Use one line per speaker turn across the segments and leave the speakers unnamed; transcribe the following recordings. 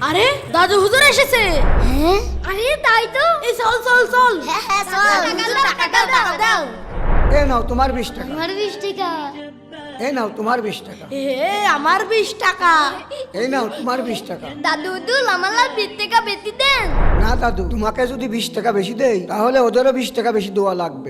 আরে দাদু হুজুর এসেছে।
হ্যাঁ আরে তাই তো।
এই চল চল চল।
হ্যাঁ হ্যাঁ চল টাকা দাও টাকা দাও।
এ নাও তোমার 20 টাকা।
আমার 20 টাকা।
এ নাও তোমার 20 টাকা।
আমার 20 টাকা।
এই নাও তোমার 20 টাকা।
দাদু দুল আমার 20 টাকা বেশি দেন।
না দাদু, তোমাকে যদি 20 টাকা বেশি দেই তাহলে ওদেরও 20 টাকা বেশি দেওয়া লাগবে।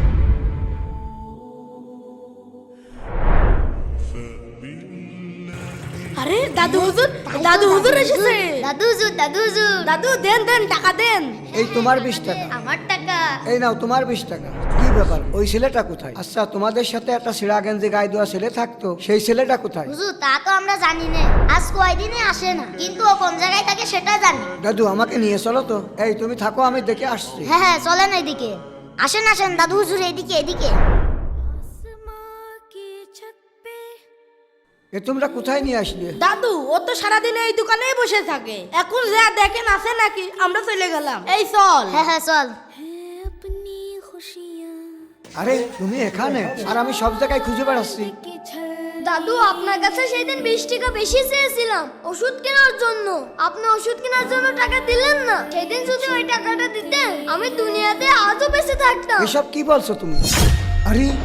আরে দাদু হুজুর এসেছে।
দাদু হুজুর
দাদু দেন দেন টাকা দেন।
এই তোমার 20 টাকা।
আমার টাকা।
এই নাও তোমার 20 টাকা। কি ব্যাপার, ওই ছেলেটা কোথায়? আচ্ছা, তোমাদের সাথে একটা সিরা গেঞ্জি গায়ে দেওয়া ছেলে থাকতো, সেই ছেলেটা কোথায়?
হুজুর তা তো আমরা জানি না, আজ কয়দিনে আসে না, কিন্তু ও কোন জায়গায় থাকে সেটা জানি।
দাদু আমাকে নিয়ে চলো তো। এই তুমি থাকো, আমি দেখে আসছি।
হ্যাঁ হ্যাঁ চলেন এদিকে। আসেন আসেন দাদু হুজুর এদিকে এদিকে।
এ তোমরা কোথায় নিয়ে আসলে?
দাদু ও তো সারাদিন এই দোকানেই বসে থাকে, এখন যা দেখেন আছে নাকি, আমরা চলে গেলাম। এই চল।
হ্যাঁ হ্যাঁ চল।
আরে তুমি এখানে? আর আমি সব জায়গায় খুঁজে বেড়াচ্ছি।
দাদু আপনার কাছে সেদিন 20 টাকা বেশি চেয়েছিলাম ওষুধ কেনার জন্য, আপনি ওষুধ কেনার জন্য টাকা দিলেন না। সেদিন যদি ওই টাকাটা দিতেন আমি দুনিয়াতে আজও বেঁচে থাকতাম।
এসব কি বলছো তুমি? আরে